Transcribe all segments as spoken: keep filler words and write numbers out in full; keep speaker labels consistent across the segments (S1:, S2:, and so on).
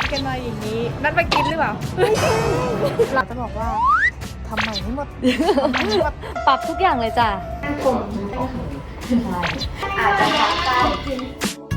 S1: กันมาอย่างนี้นัดมากินหรือเปล่าเราจะบอกว่าทำใหม่ให้หมดทำใหม่ให้หมด
S2: ปรับทุกอย่างเลยจ้ะ
S3: ผมอาจจะทำได้กิน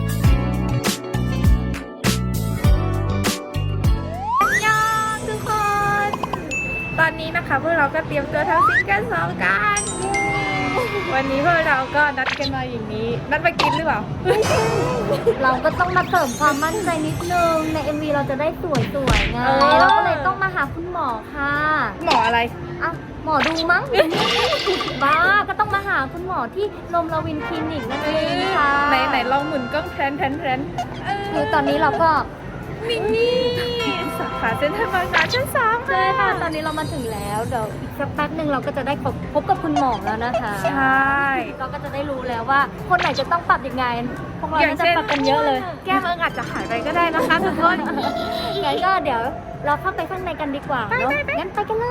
S1: ยอดทุกคนตอนนี้นะคะพวกเราก็เตรียมตัวทำซิงเกิลสองกันวันนี้พวกเราก็นัดกันมาอย่างนี้นัดมากินหรือเปล่า
S2: เราก็ต้องมาเสริมความมั่นใจนิดนึงใน เอ็ม วี เราจะได้สวยๆไง
S1: เออ
S2: เราก็เลยต้องมาหาคุณหมอค่ะ
S1: หมออะไร
S2: อ่ะหมอดูมั้ง บ้าก็ต้องมาหาคุณหมอที่ลมลาวินคลินิกนั่นเองค่ะ
S1: ไหนไหนลองหมุนกล้องแพนแพนแพนเออ
S2: คือตอนนี้เราก็
S1: นี่นี่สาขาเซ็นทรัลบางนาชั้นสอง
S2: ใช่ค่ะตอนนี้เรามาถึงแล้วเดี๋ยวอีกสักแป๊บหนึ่งเราก็จะได้พบพบกับคุณหมอแล้วนะคะ
S1: ใช่
S2: เราก็จะได้รู้แล้วว่าคนไหนจะต้องปรับยังไงพวกเราน่าจะปรับกันเยอะเลย
S1: แก้มเอิงอาจจะหายไปก็ได้นะคะทุกคน
S2: งั้นก็เดี๋ยวเราเข้าไปข้างในกันดีกว่าเนาะงั้นไปกันเลย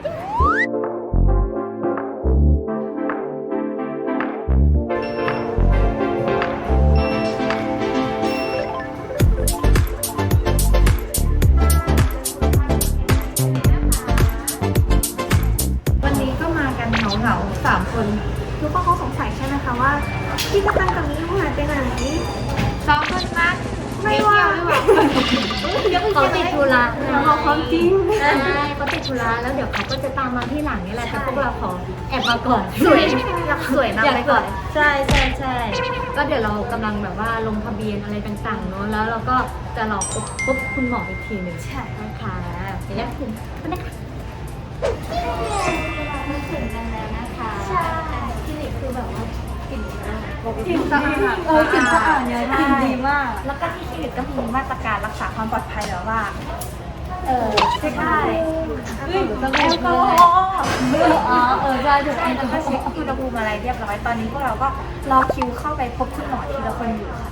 S3: วันนี้ก็มากันเหงาเหงาๆสามคนทุกคนเขาสงสัยใช่ไหมคะว่าพี่กระตันกับมิ้วหายไปไหน
S1: สองคนนั้น
S3: ไม่ว่า
S2: เขาติดธุระ
S3: เราความจริง
S2: ใช่เขาติดธุระแล้วเดี๋ยวเขาก็จะตามมาที่หลังนี่แหละแต่พวกเราขอแอบมาก่อน
S3: สวยอยากสวยนะ
S2: อยาก
S3: ไป
S2: ก่
S3: ก่
S2: อ
S3: อน น
S2: ใช่ใช่ใช่ก็เดี๋ยวเรากำลังแบบว่าลงทะเบียนอะไรต่างๆเนาะแล้วเราก็จะรอพบพบคุณหมออีกทีหนึ่ง
S3: ใช่
S2: นะคะเดี๋ยวถึงกันนะคะมาถึงกันแล้วนะคะใช่คลินิกคือแบบว่ากลิ่นดีมาก
S3: กลิ่นสะอาด
S2: เออกลิ่นสะอาดเนี่ยกลิ่นดีมาก
S3: แล้วก็ที่คลินิกก็มีมาตรการรักษาความปลอดภัยแล้วว่า
S2: เออ
S3: เช็คได้
S2: เฮ้ย
S3: แอลกอฮอล์
S2: อ๋อเออใช่ถูก
S3: ไอ้แล้วก็เช็คอุณหภูมิอะไรเรียบร้อยตอนนี้พวกเราก็รอคิวเข้าไปพบคุณหมอทีละคนอยู่ค่ะ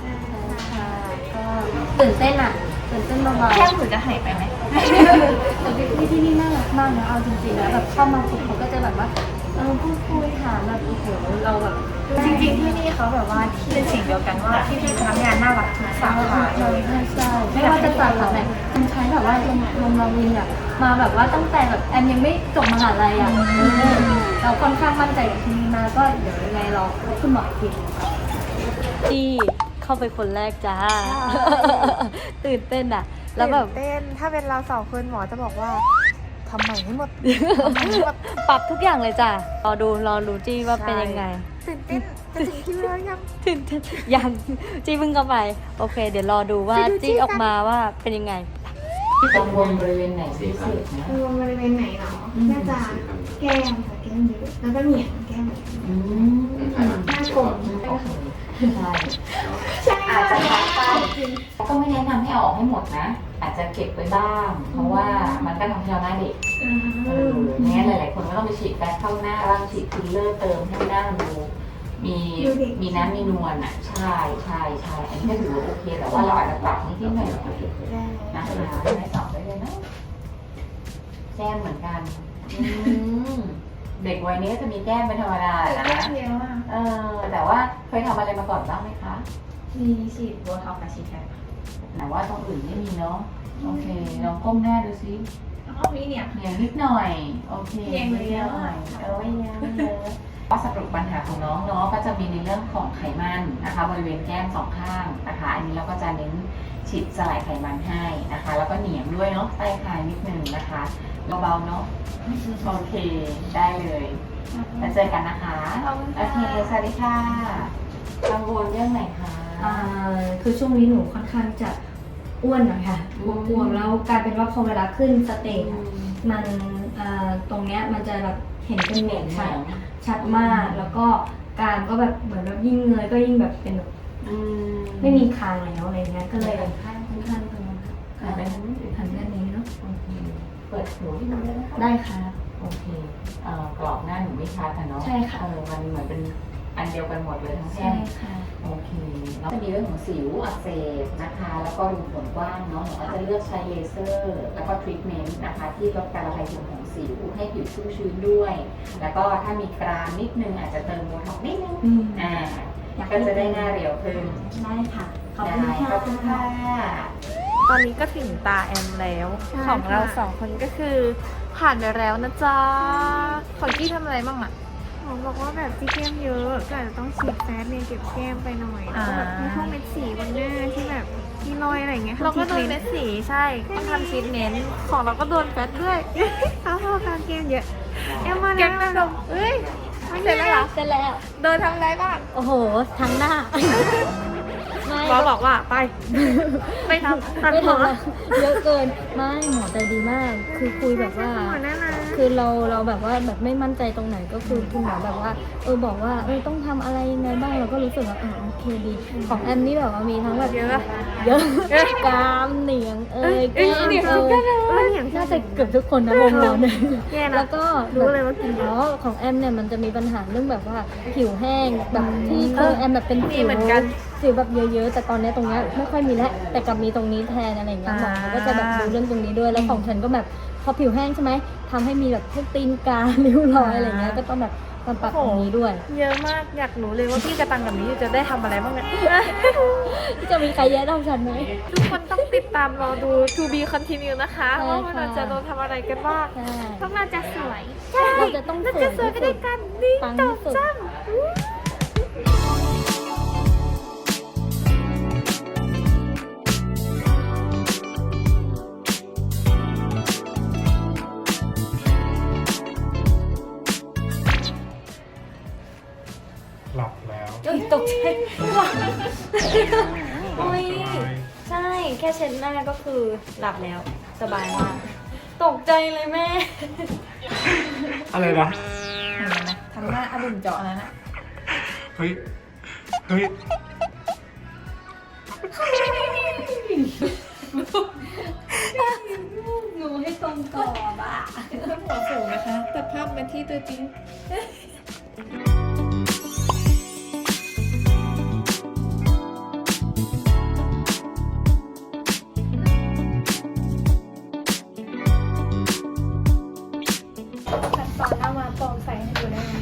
S2: ตื่นเต้นอ่ะตื่นเต้นเบาๆ
S3: แค่หนูจะหายไปไหม
S2: แต่พี่ที่นี่น่ารักมากนะเอาจริงๆแล้วแบบเข้ามาฝึกเขาก็จะแบบว่าเออพูดคุยถามแบบโอ้โหเราแบบ
S3: จริงๆที่นี่เขาแบบว่าที่เป็นสิ่งเดียวกันว่าที่พี่พนักงานน่ารักทุกสาขา
S2: ใช่ใช่ใช่ไม่ว่าจะสาขาไหนมันใช้แบบว่าลมลมลาวินอ่ะมาแบบว่าตั้งแต่แบบแอนยังไม่จบมหาลัยอ่ะเราค่อนข้างมั่นใจกับที่นี่มาก็เดี๋ยวยังไงเราพบคุณหมออีกทีที่เข้าไปคนแรกจ้าตื่นเต้นอ่ะแล้วแบบ
S1: เต้นถ้าเป็นเราสองคนหมอจะบอกว่าทำใหม่ให้หมดทำใหม่ให้หมด
S2: ปรับทุกอย่างเลยจ้ะรอดูรอดูจี้ว่าเป็นยังไง
S1: ตื่นเต้นจะถึงคิวแล้วยัง
S2: ตื่นเต้นยังจี้เพิ่งเข้าไปโอเค เดี๋ยวรอดูว่า
S1: ไปดูจี้
S2: จี้
S1: กัน
S2: ออกมาว่าเป็นยังไง
S4: กังวลบริเวณไหนพิเศษนะ
S3: รวมบริเวณไหนเหรอน่าจะแก้มค่ะแก้มเยอะแล้วก็เหนียงแก้ม
S4: อืม
S3: หน้ากลม
S4: ใช่
S3: ใช่อาจจะทำได้
S4: ก็ไม่แนะนำให้เอาออกให้หมดนะ อาจจะเก็บไว้บ้าง เพราะว่ามันก็ทำให้เราหน้าเด็กเอองั้นหลายๆคนก็ต้องไปฉีดแป้งเข้าหน้าบ้างฉีดฟิลเลอร์เติมให้หน้ามันดูมีมีน้ำมีนวลอ่ะใช่ใช่ใช่อันนี้ก็ถือว่าโอเคแต่ว่าเราอาจจะปรับนิดๆหน่อยๆนะคะให้สองได้เลยนะแก้มเหมือนกันอืมเด็กวัยนี้ก็จะมีแก้มเป็นธรรมดานะ
S3: แก้มเยอะมาก
S4: เออแต่ว่าเคยทำอะไรมาก่อนบ้างไหมคะ
S3: มีฉีดโบท็อกซ์กับฉีดแคป
S4: แต่ว่าตรงอื่นไม่มีเนาะโอเคลองก้มหน้าดูซิ
S3: แล้วก็มีเนี่ย
S4: อย่างนิดหน่อยโอเค
S3: เพียงเลย
S4: นิดหน่อยเออไม่เยอะไม่เยอะก็สรุปปัญหาของน้องเนาะก็จะมีในเรื่องของไขมันนะคะบริเวณแก้มสองข้างนะคะ อันนี้เราก็จะเน้นฉีดสลายไขมันให้นะคะ แล้วก็เหนียงด้วยเนาะใต้คางนิดนึงนะคะเบาๆเนาะโอเคได้เลยแล้วเจอกันนะคะโอเคสวัสดีค่ะกังวลเรื่องไหนคะ
S2: อ่าคือช่วงนี้หนูค่อนข้างจะอ้วนหน่อยค่ะ
S4: อืม
S2: อ้วนๆแล้วกลายเป็นว่าพอเวลาขึ้นสเตจ
S4: อื
S2: อะ
S4: ม
S2: มันอ่าตรงเนี้ยมันจะแบบเห็นเป็นเหม็นชัด
S4: เหม็น
S2: ชัดมากแล้วก็กรามก็แบบเหมือนแบบยิ่งเงยก็ยิ่งแบบเป็นแบบ
S4: อืม
S2: ไม่มีคางแล้วอะไรเงี้ยก็เลยค่อนข้างตรงนั้น
S4: หันไปทางนี้
S2: หันด้านนี้เนาะ
S4: โอเคเปิดหูที่มันได้ไหมคะ
S2: ได้ค่ะ
S4: โอเคเอ่อกรอบหน้าหนูไม่ชัดอะเนาะ
S2: ใช่ค่ะ
S4: เออมันเหมือนเป็นอันเดียวกันหมดเลยทั้งแท่
S2: ใช่
S4: ง
S2: ค่ะ
S4: โอเคแล้วจะมีเรื่องของสิวอักเสบนะคะ แล้วก็รูขนกว้างเนาะหนูก็จะเลือกใช้เลเซอร์ แล้วก็ทรีทเมนต์นะคะ ที่ลดการระคายเคืองของสิวให้ผิวชุ่มชื้นด้วย แล้วก็ถ้ามีกรามนิดนึงอาจจะเติมโบท็อกซ์นิดนึง
S2: อืม
S4: อ่าก็จะได้หน้าเรียวขึ้น
S2: ได้ค่ะขอบ
S4: ได้
S2: คุณค่ะ
S4: ขอบคุณค่ะ
S1: ตอนนี้ก็ถึงตาแอมแล้ว
S3: ใช่
S1: ของเรา
S3: ค่ะ
S1: สองคนก็คือผ่านไปแล้วนะจ๊ะของกี้ทำอะไรบ้างอะ
S3: หมอบอกว่าแบบที่แก้มเยอะก็อาจจะต้องฉีดแฟตเนี่ยเก็บแก้มไปหน่อยแล้วก็แบบ
S1: อ่า
S3: มีพวกเม็ดสีบนหน้าที่แบบมีรอยอะไรอย่างเงี้ย
S1: เราก็โดน
S3: ทำ
S1: เม็ดสีใช่ต้องทำชีทเมนต์ของเราก็โดนแฟตด้วย
S3: เขาพอการแก้มเยอะแอมมา
S1: แก
S3: แล้ว
S1: งนมเอ้ยเสร็จแล้วเหรอ
S2: เสร็จแล้ว
S1: โดนทำอะไรบ้าง
S2: โอ้โห ทั้งหน้า ไม่
S1: หมอบอกว่าไป ไม่ทำตัด
S2: ไม่
S1: หัว
S2: ทำเยอะเกิน ไม่หมอใจดีมาก คือคุยแบบว่า
S3: หมอน่ารัก
S2: คือเราเราแบบว่าแบบไม่มั่นใจตรงไหนก็คือคุณหมอแบบว่าเออบอกว่าเออต้องทำอะไรยังไงบ้างเราก็รู้สึกว่าเออโอเคดีของแอมนี่แบบว่ามีทั้งแบบ
S1: เยอะ
S2: เยอะกรามเหนียงเอ้ย
S1: เอ้ย
S2: แก้ม
S1: เหนียง
S2: เอ้
S1: เหมือนกัน
S2: ย
S1: เลย
S3: เอออย่าง
S2: น่าจะเกือบทุกคนนะวงเราเนี่ย
S3: แย่นะ
S2: แล้วก็
S3: รู้เลยว่ากินเย
S2: อ๋
S3: อะ
S2: อของแอมเนี่ยมันจะมีปัญหาเรื่องแบบว่าผิวแห้งแบบที่เคยแอมแบบเป็น
S1: มี
S2: สิว
S1: เหมือนกัน
S2: สิวแบบเยอะๆแต่ตอนเนี้ยตรงเนี้ยไม่ค่อยมีแล้วแต่กลับมีตรงนี้แทนอะไรอย่างเงี้ยหมอเขาก็จะแบบดูเรื่องตรงนี้ด้วยแล้วของฉันก็แบบพอผิวแห้งใช่ไหมทำให้มีแบบพวกตีนกา ริ้วรอยอะไรเงี้ยก็ต้องแบบมาปรับตรงนี้ด้วย
S1: เยอะมากอยากรู้เลยว่าพี่กระตังกับนี้จะได้ทำอะไรบ้างเนี่ย
S2: จะมีใครแย่เท่าฉันไหม
S1: ทุกคนต้องติดตามรอดู to be continue นะคะ
S2: ใช่
S1: ว่ามัน
S2: ค่ะ
S1: จะโดนทำอะไรกันบ้าง
S2: ใช่
S3: พวกเราจะสวย
S2: เราจะต้อง
S1: แล้ว
S2: สว
S1: จะ
S2: ย
S1: สวย
S2: ที่
S1: ไป
S2: สุ
S1: ด้วย
S2: ด
S1: กันนี่
S2: ปัง
S1: จ
S2: ที่
S1: บ
S2: สุด
S1: จ้ำ
S5: หลับแล้ว
S2: เอ้ยตกใจว้าโอ้ยใช่ แค่เช็ดหน้าก็คือหลับแล้ว สบายมาก ตกใจเลยแม่
S5: อะไรนะ
S1: เห็นไหมทำหน้าอดุ่มเจาะแล้วนะ
S5: เฮ้ย เฮ้ย
S2: หนูให้ตรงกรอบอ่ะ
S1: เพิ่มหัวสูงนะคะตัดภาพมาที่ตัวจริง
S3: ตัดตอนหน้ามาโปร่งใสให้ดูได้ไหม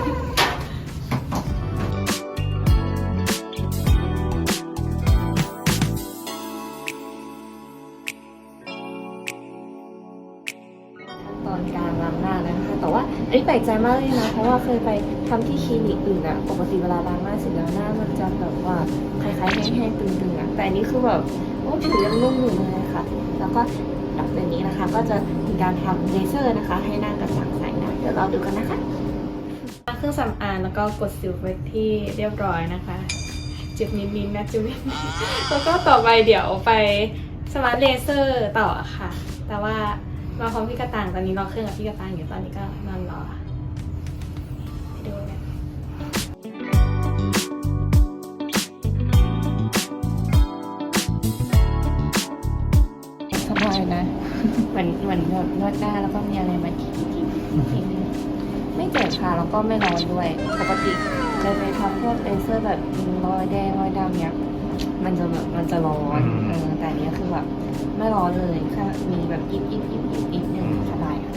S2: ตอนการล้างหน้าแล้วนะคะ แต่ว่าอันนี้แปลกใจมากเลยนะ เพราะว่าเคยไปทำที่คลินิกอื่นอะปกติเวลาล้างหน้าเสร็จแล้วหน้ามันจะแบบว่าคล้ายๆแห้งๆตึงๆอะแต่อันนี้คือแบบโอ้ผิวยังนุ่มอยู่เลยค่ะ แล้วก็หลังจากนี้นะคะ ก็จะมีการทำเลเซอร์นะคะ ให้หน้ากระจ่างใสนะเดี๋ยวเราดูกันนะคะ
S1: เครื่องสำอางแล้วก็กดสิวไว้ที่เรียบร้อยนะคะเจ็บนิดๆนะจุ๊บ แล้วก็ต่อไปเดี๋ยวไปสมาร์ทเลเซอร์ต่อค่ะ แต่ว่ามาพร้อมพี่กระต่างตอนนี้รอเครื่องกับพี่กระต่างอยู่ตอนนี้ก็นอนรอไปดูกัน
S4: สบายนะ เหมือนเหมือนแบบนวดหน้าแล้วก็มีอะไรมาทีทีนึงไม่เจ็บค่ะแล้วก็ไม่ร้อนด้วย ปกติจะไปทำพวกเลเซอร์แบบรอยแดงรอยดำเนี้ยมันจะแบบมันจะร้อน
S5: อืม
S4: เออแต่อันเนี้ยคือแบบไม่ร้อนเลยแค่มีแบบอิบอิบอิบอิบอิบนึงสบายค่ะ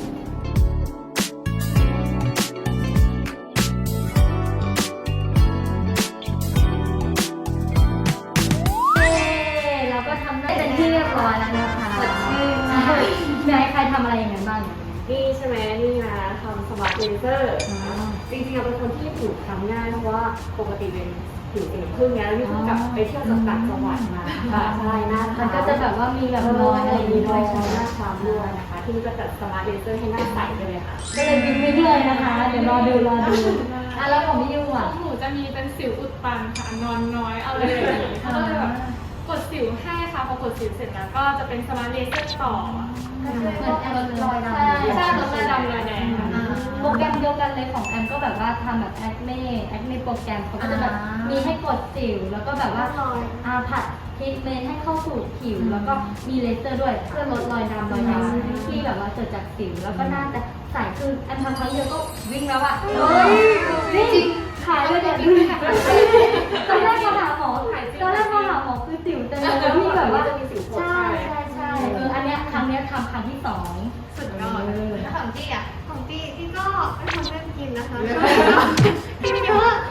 S2: เราก็ทำได้เป็นที่เรียบร้อยแล้วนะคะสดชื่นไหนใครทำอะไรอย่างนั้นบ้าง
S1: นี่ใช่ไหมนี่นะทำสมาร์ทเลเซอร์จริงๆเราเป็นคนที่ผิวคล้ำง่ายเพราะว่าปกติเป็นผิวเป็นพึ่งเนี้ยแล้วนี่เพิ่งกลับไปเที่ยวจากต่างจังหวัดมาค่ะใช่หน้า
S2: มันก็จะแบบว่ามีแบบรอยอะไร
S1: มี
S2: มี
S1: ร
S2: ร
S1: อ
S2: อย ย
S1: ช้ำห
S2: ช้ำ
S1: น้าคล้ำด้วยนะคะ ที่นี่ก็จัดสมาร์ทเลเซอร์ให้หน้าใสไปเลยค่ะ
S2: ก็เลยวิ่งวิ่งเลยนะคะ เดี๋ยวรอดูรอดูอ่ะแล้วของพี่ยูอ่ะ
S6: หนูจะมีเป็นสิวอุดตันค่ะนอนน้อยอะไรอย่างนี้เขาก็เลยแบบกดสิวให้ค่ะพอกดสิวเสร็จแล้วก็จะเป็นสมาร์ทเลเซอร์ต่อ
S2: เหมือนแอมรอยดำ
S6: ใช่ใช่ลดรอยดำรอยแดงค่ะ
S2: โปรแกรมเดียวกันเลยของแอมก็แบบว่าทำแบบแอคเน่แอคเน่โปรแกรมเขาก็จะแบบมีให้กดสิวแล้วก็แบบว่าอาผัดทรีทเมนต์ให้เข้าสู่ผิว แล้วก็มีเลเซอร์ด้วยเพื่อลดรอยดำรอยดำที่แบบว่าเกิดจากสิวแล้วก็น่าจะใสคือแอมทำครั้งเดียวก็วิ่งแล้วอ่ะเฮ้ยจริงขายเลยเนี่ยดูตอนแรกมาหาหมอตอนแรกมาหาหมอคือสิวเต็มเลยแล้วมีแบบว่าใช่ใช่ใช่เอออันเนี้ยครั้งเนี้ยทำครั้งที่สอง
S3: สุดยอดแล้วของตี้อ่ะของตี้ตี้ก็เป็นคนเล่นกินนะคะที่เยอะต้องมา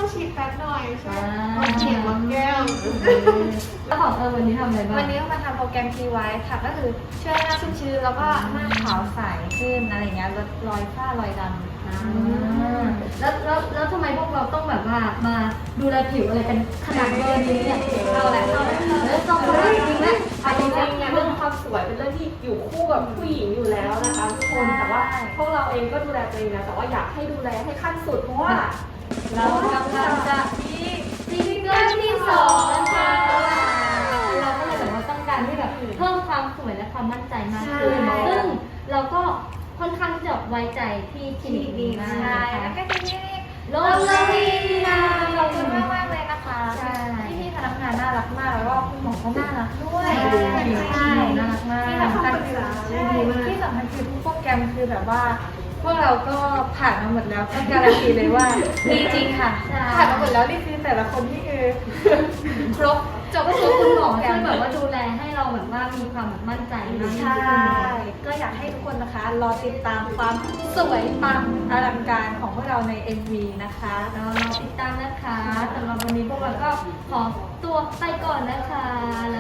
S3: ฉีดแฟตหน่อยใช่
S2: อ่า
S3: มันเขียนวังแก้ว
S2: แล้วของเออวันนี้ทำอะไรบ้าง
S3: วันนี้ก็มาทำโปรแกรม ที ไวท์ ค่ะ ก็คือช่วยให้หน้าชุ่มชื้นแล้วก็หน้าขาวใสขึ้นอะไรเงี้ยลดรอยฝ้ารอยดำ
S2: อ่าแล้วแล้วแล้วทำไมพวกเราต้องแบบว่ามาดูแลผิวอะไรกันขนาดเบอร์นี้เนี่ย
S3: เอาแหละเอาแหละ
S2: เออต้องมาจริงๆนะ
S1: เอาจริงๆเนี่ยเรื่องความสวยเป็นเรื่องที่อยู่คู่กับผู้หญิงอยู่แล้วนะคะทุกคนแต่ว่าพวกเราเองก็ดูแลตัวเองนะแต่ว่าอยากให้ดูแลให้ขั้นสุดเพราะว่า
S2: เรากำลังจะมีซิงเกิลที่สองนะคะเราก็เลยแบบว่าต้องการที่แบบเพิ่มความสวยและความมั่นใจมากขึ้น
S3: ใช่
S2: ซึ่งเราก็ค่อนข้างที่จะไว้ใจที่คลินิกนี้มาก
S3: ใช่
S2: นะ
S3: แล้ว
S2: คะ
S3: ก็ที่นี่
S2: โลลาวีนา
S3: ขอบคุณมากมากๆเลยนะคะ
S2: ใช่
S3: ที่พี่พนักงานน่ารักมากแล้วก็คุณหมอก็น่ารักด้วย
S2: ใช่น่ารักมาก
S3: ที่สำคัญคือใช่ที่สำคัญคือทุกโปรแกรมคือแบบว่า พวกเราก็ผ่านมาหมดแล้วก็การันตีเลยว่าดีจริงค่ะ
S2: ใช่
S3: ผ่านมาหมดแล้วรีบแต่ละคนที่คือครบจบ
S2: ก็
S3: ทุ
S2: คือกคุณหมอ
S3: แก
S2: ช่วย
S3: ม
S2: แบบว่าดูแลให้เราแบบว่ามีความแบบมั่นใจมากยิ่ง
S3: ใช่
S2: ขึ้น
S3: ก็อยากให้ทุกคนนะคะ รอติดตามความสวยปังอลังการของพวกเราใน เอ็ม วี นะคะ
S2: เรารอติดตามนะคะสำหรับวันนี้พวกเราก็ขอตัวไปก่อนนะคะแล้ว